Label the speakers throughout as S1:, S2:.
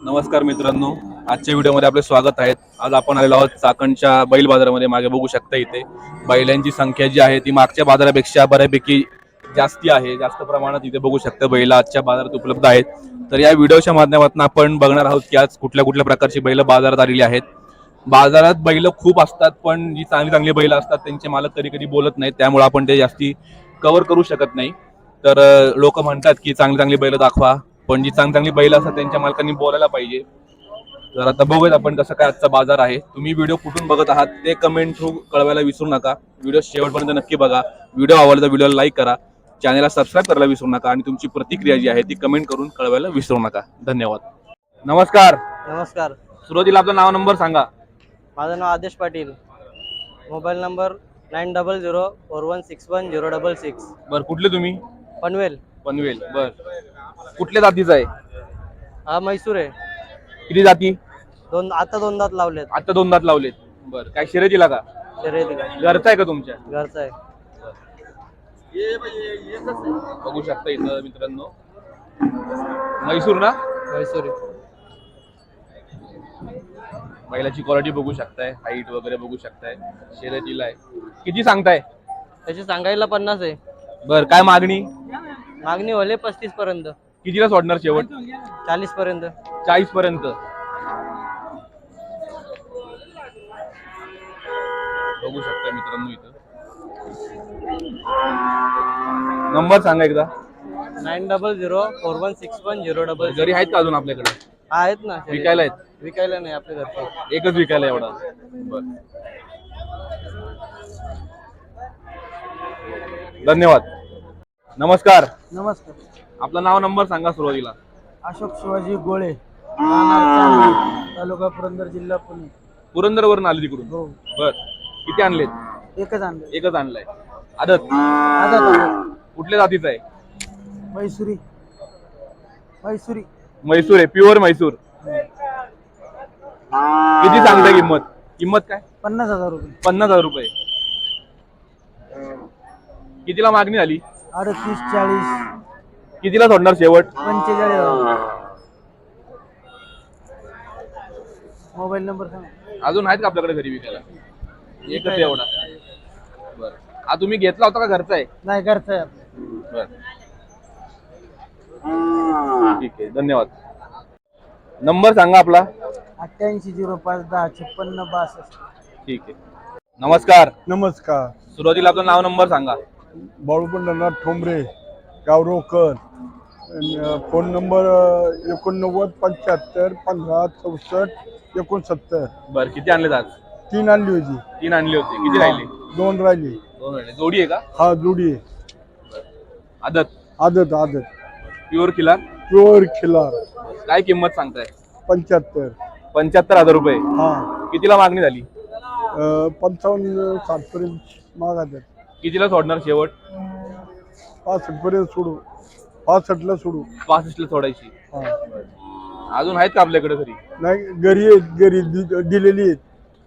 S1: नमस्कार मित्रांनो, आजच्या व्हिडिओमध्ये आपले स्वागत आहे। आज आपण आलेलो आहोत चाकणच्या बैल बाजारामध्ये। मागे बघू शकता इथे बैलांची संख्या जी आहे ती मागच्या बाजारापेक्षा बऱ्यापैकी जास्ती आहे। जास्त प्रमाणात इथे बघू शकता बैल आजच्या बाजारात उपलब्ध आहेत। तर या व्हिडिओच्या माध्यमातून आपण बघणार आहोत की आज कुठल्या कुठल्या प्रकारची बैल बाजारात आलेली आहेत। बाजारात बैल खूप असतात, पण जी चांगली चांगली बैल असतात त्यांचे मालक कधी कधी बोलत नाहीत, त्यामुळे आपण ते जास्ती कव्हर करू शकत नाही। तर लोक म्हणतात की चांगली चांगली बैल दाखवा, पण जी चांगली चांगली बैल असतात त्यांच्या मालकांनी बोलायला पाहिजे। तर आता बघूयात आपण कसं काय आजचा बाजार आहे। तुम्ही व्हिडिओ कुठून बघत आहात ते कमेंट थ्रू कळवायला विसरू नका। व्हिडिओ शेवटपर्यंत नक्की बघा। व्हिडिओ आवडला तर व्हिडिओला लाईक करा, चॅनलला सबस्क्राईब करायला विसरू नका आणि तुमची प्रतिक्रिया जी आहे ती कमेंट करून कळवायला विसरू नका। धन्यवाद। नमस्कार।
S2: नमस्कार,
S1: सुरुवातीला आपलं नाव नंबर सांगा।
S2: माझं नाव आदेश पाटील। Mobile number 9004161066।
S1: बर, कुठले तुम्ही?
S2: पनवेल।
S1: पनवेल। बर, कुठल्या जातीचा आहे?
S2: हा म्हैसूर आहे।
S1: किती जाती?
S2: दोन दात लावलेत।
S1: आता दोन दात लावलेत। बर, काय शर्यतीला का?
S2: शर्यतीला।
S1: घरचा आहे का तुमच्या?
S2: घरचा आहे।
S1: बघू शकता इथं मित्रांनो, म्हैसूर ना?
S2: म्हैसूर आहे।
S1: बैलाची क्वालिटी बघू शकताय, हाईट वगैरे बघू शकताय, शर्यतीला आहे। किती सांगताय?
S2: त्याची सांगायला 50 आहे।
S1: बर, काय मागणी?
S2: मागणी होले 35 पर्यंत।
S1: कितीला सोडणार शेवट?
S2: 40 पर्यंत।
S1: 40 पर्यंत। बघू शकता मित्रांनो इथं। नंबर सांगा एकदा।
S2: 9004161066।
S1: घरी आहेत का अजून आपल्याकडे?
S2: आहेत ना।
S1: विकायला आहेत?
S2: विकायला नाही, आपल्या घरचे।
S1: एकच विकायला एवढा? बर, धन्यवाद। नमस्कार।
S2: नमस्कार।
S1: आपलं नाव नंबर सांगा सुरुवातीला।
S2: अशोक शिवाजी गोळे, राहणार चांदवड, तालुका पुरंदर, जिल्हा पुणे।
S1: पुरंदर वरून आले तिकडून?
S2: हो।
S1: बर, किती आणलेत?
S2: एकच आणले।
S1: एकच आणलाय। आदत?
S2: आदत।
S1: कुठल्या जातीचा आहे?
S2: म्हैसूरी। म्हैसूरी।
S1: म्हैसूर आहे, प्युअर म्हैसूर। किती सांगताय किंमत? किंमत काय?
S2: 50,000 रुपये।
S1: 50,000 रुपये। कितीला मागणी झाली?
S2: 38, 40,
S1: कितीला सोडणार शेवट?
S2: 45,000। मोबाईल नंबर सांगा।
S1: अजून आहेत का आपल्याकडे घरी विकायला? एकच आहे एवढा? बर, हा तुम्ही घेतला होता का घरचा आहे?
S2: नाही, घरचा आहे आपला।
S1: बर, ठीक आहे, धन्यवाद। नंबर सांगा आपला।
S2: 8805105662।
S1: ठीक आहे। नमस्कार।
S3: नमस्कार।
S1: सुरुवातीला आपलं नाव नंबर सांगा।
S3: बाळूपंढरनाथ ठोंबरे, गावरोकर। Phone number 8975156469।
S1: बर, किती आणले आज?
S3: 3 आणली होती।
S1: 3 आणली होती। किती राहिले?
S3: 2 राहिली।
S1: 2 राहिले। जोडी आहे का?
S3: हा, जोडी आहे।
S1: आदत?
S3: आदत आदत।
S1: प्युअर खिलार?
S3: प्युअर खिलार।
S1: काय किंमत सांगताय?
S3: 75।
S1: 75,000 रुपये।
S3: हा।
S1: कितीला मागणी झाली?
S3: 55-60 पर्यंत मागायचं।
S1: कितीला सोडणार शेवट?
S3: 65 पर्यंत सोडू। 65 ला सोडू।
S1: 65 ला सोडायची।
S3: हा।
S1: अजून आहेत का आपल्याकडे घरी?
S3: नाही, घरी आहेत, घरी दिलेली आहेत।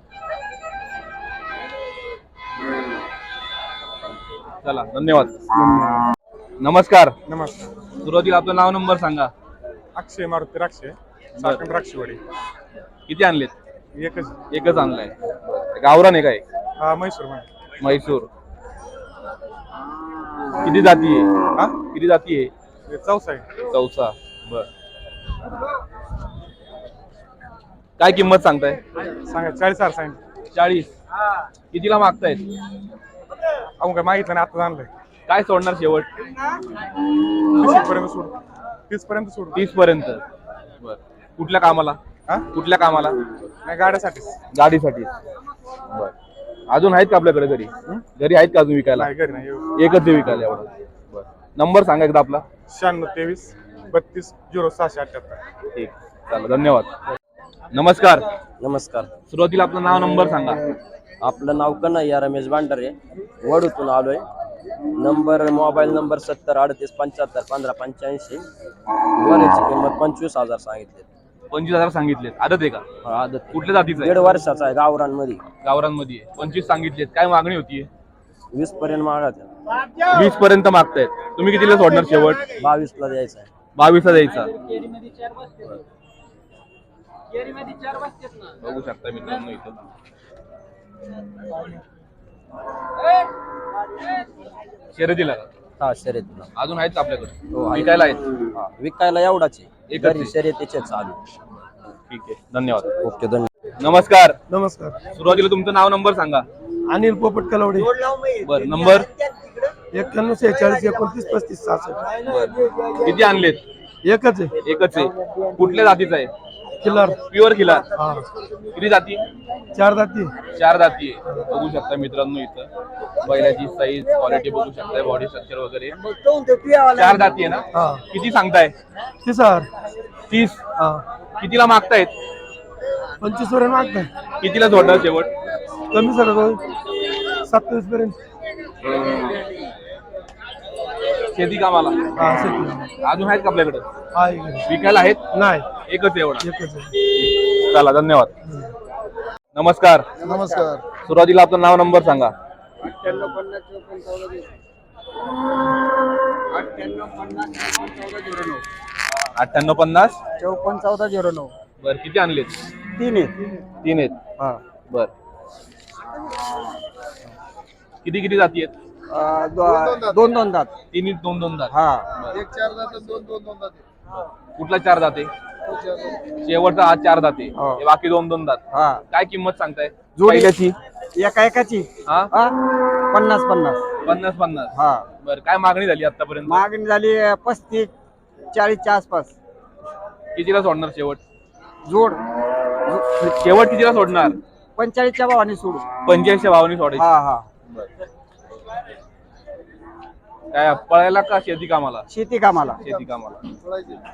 S1: चला, धन्यवाद। नमस्कार।
S4: नमस्कार।
S1: सुरुवातीला आपलं नाव नंबर सांगा।
S4: अक्षय मारुती राक्षे, चाकण राक्षेवाडी।
S1: किती आणलेत?
S4: एकच।
S1: एकच आणलाय। गावरान आहे काय?
S4: हा, म्हैसूर मध्ये।
S1: म्हैसूर। किती जाती आहे?
S4: हा,
S1: किती जाती आहे?
S4: हे चौसा आहे।
S1: चौसा। बर, काय किंमत सांगताय?
S4: सांगा 40,000 सांगितलं।
S1: 40। कितीला मागतायत?
S4: अहो, काय मागितलं नाही, आता आणलंय।
S1: काय सोडणार शेवट?
S4: 30 पर्यंत सोडू। 30 पर्यंत सोडू।
S1: 30 पर्यंत। बर, कुठल्या कामाला?
S4: हा,
S1: कुठल्या कामाला?
S4: नाही, गाड्यासाठी।
S1: गाडीसाठी। बर, अजून आहेत का आपल्याकडे घरी? घरी आहेत का अजून विकायला?
S4: नाही, घरी नाही।
S1: एकच आहे विकायला एवढा? बर, नंबर सांगा एकदा आपला।
S4: 9623320678।
S1: ठीक, चला, धन्यवाद। नमस्कार।
S2: नमस्कार।
S1: सुरुवातीला आपलं नाव नंबर सांगा।
S2: आपलं नाव कन्हैया रमेश भांडारे, वडूतून आलोय। Mobile number 7038751585। वराची किंमत 25,000 सांगितले।
S1: 25,000 सांगितलेत। आदत आहे का?
S2: आदत।
S1: कुठल्या जातीचं आहे?
S2: 1.5 वर्षाचा आहे, गावरांमध्ये।
S1: गावरांमध्ये आहे। 25 सांगितलेत। काय मागणी होतीये?
S2: 20 पर्यंत मागायचं।
S1: 20 पर्यंत मागतायत। तुम्ही कितीला सोडणार शेवट?
S2: 22 ला द्यायचा आहे।
S1: 22 ला द्यायचा। बघू शकता मित्रांनो इथं शर्यतीला का?
S2: हा शर्यतीला.
S1: अजून आहेत का आपल्याकडे
S2: हो, आहे.
S1: विकायला आहेत?
S2: हा, विकायला एवढाच आहे.
S1: एकच आहे.
S2: घरी शर्यतीचे चालू.
S1: ठीक आहे धन्यवाद.
S2: ओके धन्यवाद.
S1: नमस्कार.
S3: नमस्कार.
S1: सुरुवातीला तुमचं नाव नंबर सांगा.
S3: अनिल पोपट कलवडे.
S1: बर नंबर
S3: 91 46 29 35 66.
S1: बर किती आणलेत?
S3: एकच आहे.
S1: एकच आहे. कुठल्या जातीचा आहे?
S3: किल्लार.
S1: प्युअर खिलार.
S3: हा,
S1: किती जाती?
S3: 4 दाती.
S1: 4 जाती आहे. बघू शकता मित्रांनो इथं बैलाची साईज क्वालिटी बघू शकताय बॉडी स्ट्रक्चर वगैरे 4 जाती आहे ना?
S3: हा,
S1: किती सांगताय?
S3: 30,000.
S1: 30.
S3: हा,
S1: कितीला मागतायत?
S3: 25 पर्यंत मागताय.
S1: कितीला सोडणार शेवट?
S3: कमी सर 27 पर्यंत.
S1: शेती कामाला
S3: हा, शेती.
S1: अजून आहेत का आपल्याकडे
S3: हा, एकच.
S1: विकायला आहेत?
S3: नाही,
S1: एकच आहे एवढा.
S3: एकच आहे.
S1: चला धन्यवाद. नमस्कार.
S3: नमस्कार.
S1: सुरुवातीला आपलं नाव नंबर सांगा. 9850
S2: 541409.
S1: बर किती आणलेत?
S2: 3 आहेत.
S1: 3 आहेत.
S2: हा,
S1: बर किती किती जाती आहेत?
S2: दोन दोन दात.
S1: तिन्ही 2-2 दात.
S2: हा,
S3: एक 4 दात 2 दात.
S1: कुठला 4 दाते? शेवटचा हा 4 दाते.
S2: हो.
S1: हे बाकी 2-2 दात.
S2: हा.
S1: काय किंमत सांगताय
S2: जोडी.
S1: पहिल्याची?
S2: एका एकाची
S1: हा
S2: 50-50.
S1: 50-50.
S2: हा,
S1: बर काय मागणी झाली आतापर्यंत?
S2: मागणी झाली 35-40च्या आसपास.
S1: कितीला सोडणार शेवट?
S2: जोड
S1: शेवट कितीला सोडणार?
S2: 45च्या भावाने सोडू.
S1: 85 भावानी सोडायची.
S2: हा हा,
S1: काय पळायला का शेती कामाला?
S2: शेती कामाला.
S1: शेती कामाला.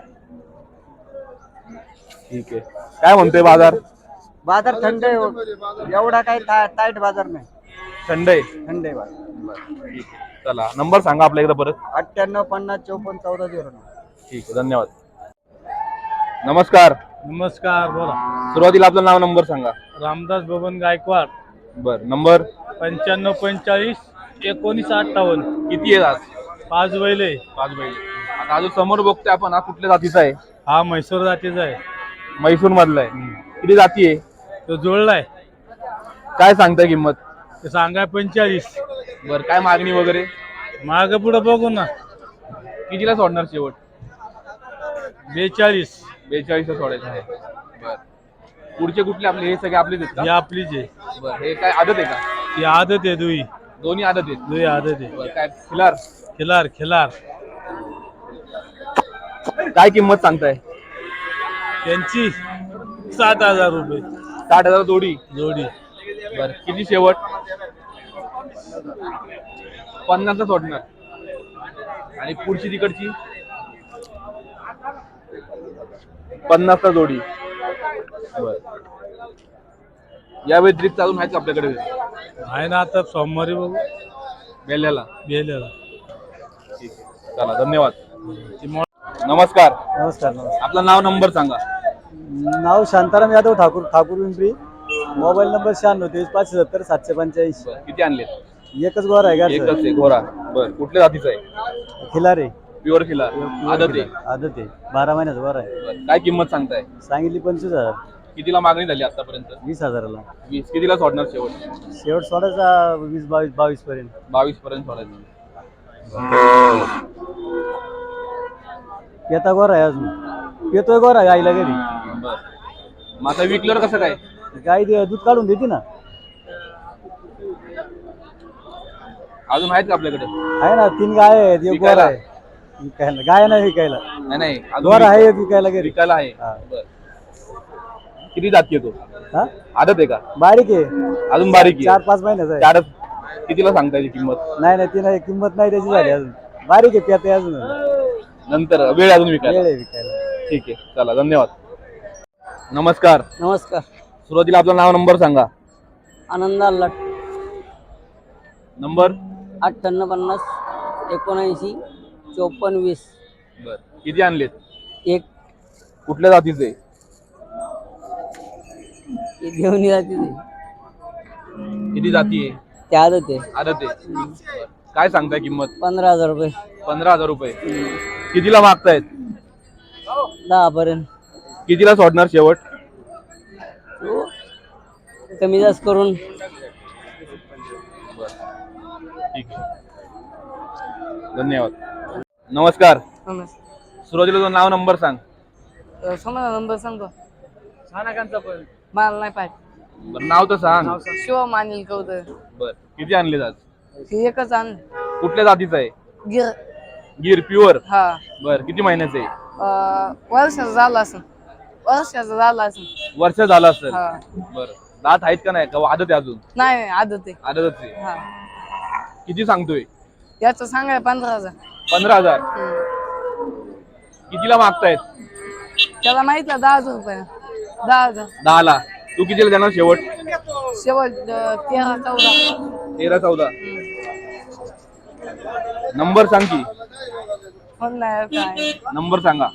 S1: ठीक आहे. काय म्हणतोय बाजार?
S2: बाजार थंड आहे. एवढा काही टाईट बाजार नाही.
S1: थंड आहे.
S2: थंड आहे बाजार.
S1: ठीक आहे. चला नंबर सांगा आपल्या एकदा परत.
S2: 9850541409.
S1: ठीक आहे धन्यवाद. नमस्कार.
S5: नमस्कार बोला.
S1: सुरुवातीला आपलं नाव नंबर सांगा.
S5: रामदास बबन गायकवाड.
S1: बर नंबर
S5: 9545 1958.
S1: किती आहे आज?
S5: 5 बैले.
S1: 5 बैल. आता हा जो समोर बघतोय आपण हा कुठल्या जातीचा आहे?
S5: हा म्हैसूर जातीचा आहे.
S1: म्हैसूर मधला आहे. किती जाती आहे?
S5: तो जोडलाय.
S1: काय सांगताय किंमत?
S5: ते सांगाय 45.
S1: बर काय मागणी वगैरे?
S5: माग पुढे बघू ना.
S1: कितीला सोडणार शेवट?
S5: 42.
S1: 42 सोडायचं आहे. बर पुढचे कुठले आपले? हे सगळे आपलेच आहेत
S5: ही
S1: का?
S5: आपलीच आहे.
S1: बर हे काय आदत आहे का?
S5: ही आदत आहे. दुई
S1: दोन्ही आदत आहेत.
S5: दुई आदत आहे.
S1: बर काय खिलार?
S5: खिलार खिलार.
S1: काय किंमत सांगताय?
S5: त्यांची 7,000 रुपये
S1: 60,000 जोडी.
S5: जोडी.
S1: बर किती शेवट? 50 सोडणार. आणि पुढची तिकडची 50 जोडी. बर या व्यतिरिक्त अजून आहेत का आपल्याकडे
S5: आहे ना. आता सोमवारी बघू
S1: बेल्याला?
S5: गेलेला.
S1: ठीक आहे चला धन्यवाद. नमस्कार.
S2: नमस्कार.
S1: आपलं नाव नंबर सांगा.
S2: नाव शांताराम यादव ठाकूर पिंपरी. Mobile number 96 570 785.
S1: बर किती आणले?
S2: एकच गोर आहे का?
S1: एकच आहे घोडा. बर कुठल्या जातीचा आहे?
S2: खिलार आहे.
S1: प्युअर खिलार. आदत आहे.
S2: आदत आहे. 12 महिन्याचा गोर आहे.
S1: बर काय किंमत सांगताय?
S2: सांगितली 25,000.
S1: कितीला मागणी झाली आतापर्यंत?
S2: 20,000ला.
S1: 20. कितीला सोडणार शेवट?
S2: शेवट सोडायचा 20-22 पर्यंत.
S1: 22 पर्यंत सोडायचं.
S2: पेता गोर आहे अजून. पेतोय गोर आहे गाईला घरी.
S1: बर मग आता विकल्यावर कसं काय?
S2: गाई दूध काढून देते ना.
S1: अजून आहेत का आपल्याकडे?
S2: आहे ना. 3 गाय आहेत. एक गोर
S1: विकायला?
S2: आहे. विकायला गाय नाही विकायला.
S1: नाही नाही अजून
S2: गोर आहे एक विकायला घरी.
S1: विकायला आहे.
S2: हा.
S1: बर किती जाती आहे तो?
S2: हा,
S1: आदत आहे का?
S2: बारीक आहे.
S1: अजून बारीक आहे.
S2: 4-5 महिन्याचा आहे.
S1: चारच. कितीला सांगता याची किंमत?
S2: नाही नाही, ती नाही किंमत नाही त्याची झाली अजून. बारीक आहे. पेते अजून.
S1: नंतर वेळ अजून विकायला.
S2: वेळ आहे विकायला.
S1: ठीक आहे चला धन्यवाद. नमस्कार.
S2: नमस्कार.
S1: सुरुवातीला आपलं नाव नंबर सांगा.
S2: आनंदा लट.
S1: नंबर
S2: 5850 79 54 20.
S1: बर किती आणलेत?
S2: एक
S1: कुठल्या जातीचे?
S2: घेऊन जाते.
S1: किती जाती आहे?
S2: त्या आदत आहे.
S1: आदत आहे. बर. काय सांगताय किंमत?
S2: 15,000 रुपये.
S1: 15,000 रुपये. कितीला मागतायत?
S2: 10 पर्यंत.
S1: कितीला सोडणार शेवट?
S6: कमी जास्त करून
S1: ठीक आहे, धन्यवाद. नमस्कार. सुरुवातीला तुझं नाव नंबर सांग.
S6: समजा नंबर सांगतो मला नाही पाहिजे.
S1: बरं, नाव तर सांग.
S6: शिव मानिल कवतर
S1: बर, किती आणले आज?
S6: हे एकच आणलं
S1: कुठल्या जातीचं आहे?
S6: गिर.
S1: गिर प्युअर.
S6: हा
S1: बर, किती महिन्याचं आहे?
S6: वर्षाचा झाला असं
S1: वर्ष झालं असेल.
S6: हा.
S1: बर, दात आहेत का नाही का आदत आहे अजून?
S6: नाही नाही आदत आहे.
S1: आदतच आहे.
S6: हा
S1: किती सांगतोय?
S6: याचं सांगाय 15,000.
S1: 15,000. कितीला मागतायत?
S6: त्याला माहितलं 10,000 रुपये. 10,000
S1: 10ला. तू कितीला देणार शेवट?
S6: शेवट 13-14.
S1: 13-14. नंबर सांग की.
S6: फोन नाही काय.
S1: नंबर सांगा.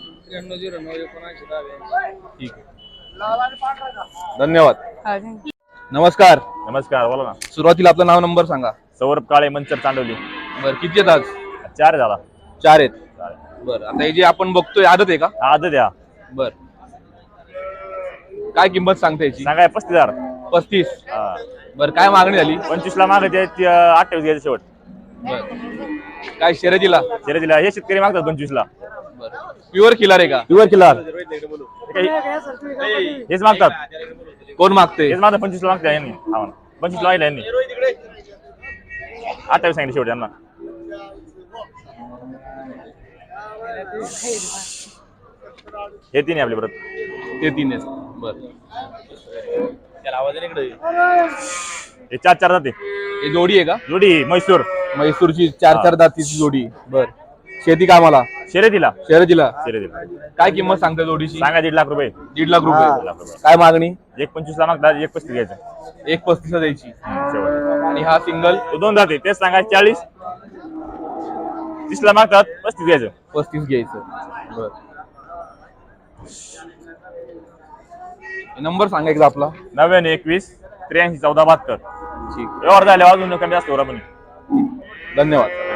S1: ठीक आहे, धन्यवाद.
S6: हा, thank you.
S1: नमस्कार.
S7: नमस्कार, बोला ना.
S1: सुरुवातीला आपलं नाव नंबर सांगा.
S7: सौरभ काळे, मंचर, चांडवली.
S1: बर, किती आहेत आज?
S7: 4 झाला.
S1: 4 आहेत. बर, आता हे जे आपण बघतोय आदत आहे का?
S7: आदत द्या.
S1: बर, काय किंमत सांगता याची?
S7: सांगाय 35,000.
S1: 35.
S7: हा.
S1: बर, काय मागणी झाली?
S7: 25 ला मागायचे 28 घ्यायचे शेवट.
S1: बर, काय शर्यतीला?
S7: शर्यतीला हे शेतकरी मागतात 25 ला.
S1: बर, प्युअर खिलार आहे का?
S7: प्युअर किलर हेच मागतात.
S1: कोण मागते?
S7: हेच मागतात 25 ला मागतात यांनी. हा म्हणा. 25 ला मागितलं यांनी. 28 सांगितले शेवट यांना. हे 3 आपले परत.
S1: ते 3 आहेत. बर,
S7: हे 4 जाते.
S1: हे जोडी आहे का?
S7: जोडी म्हैसूर.
S1: म्हैसूरची 4 दातीची जोडी. बर, शेती कामाला?
S7: शर्यतीला.
S1: शर्यतीला.
S7: शर्यतीला
S1: काय किंमत सांगता जोडीची?
S7: सांगा 1.5 लाख रुपये.
S1: 1.5 लाख रुपये.
S7: 1.5 लाख रुपये.
S1: काय मागणी?
S7: 1.25 ला मागतात 1.35 घ्यायचं
S1: 1.35 द्यायची.
S7: शेवट.
S1: आणि हा सिंगल?
S7: तो 2 जाते तेच सांगा 40. 30 ला मागतात 35 घ्यायचं.
S1: 35 घ्यायचं. बर, नंबर सांगा एकदा आपला.
S7: 9921 83 14 72.
S1: ठीक,
S7: व्यवहार झाले अजून कमी जास्त होणार पण.
S1: धन्यवाद.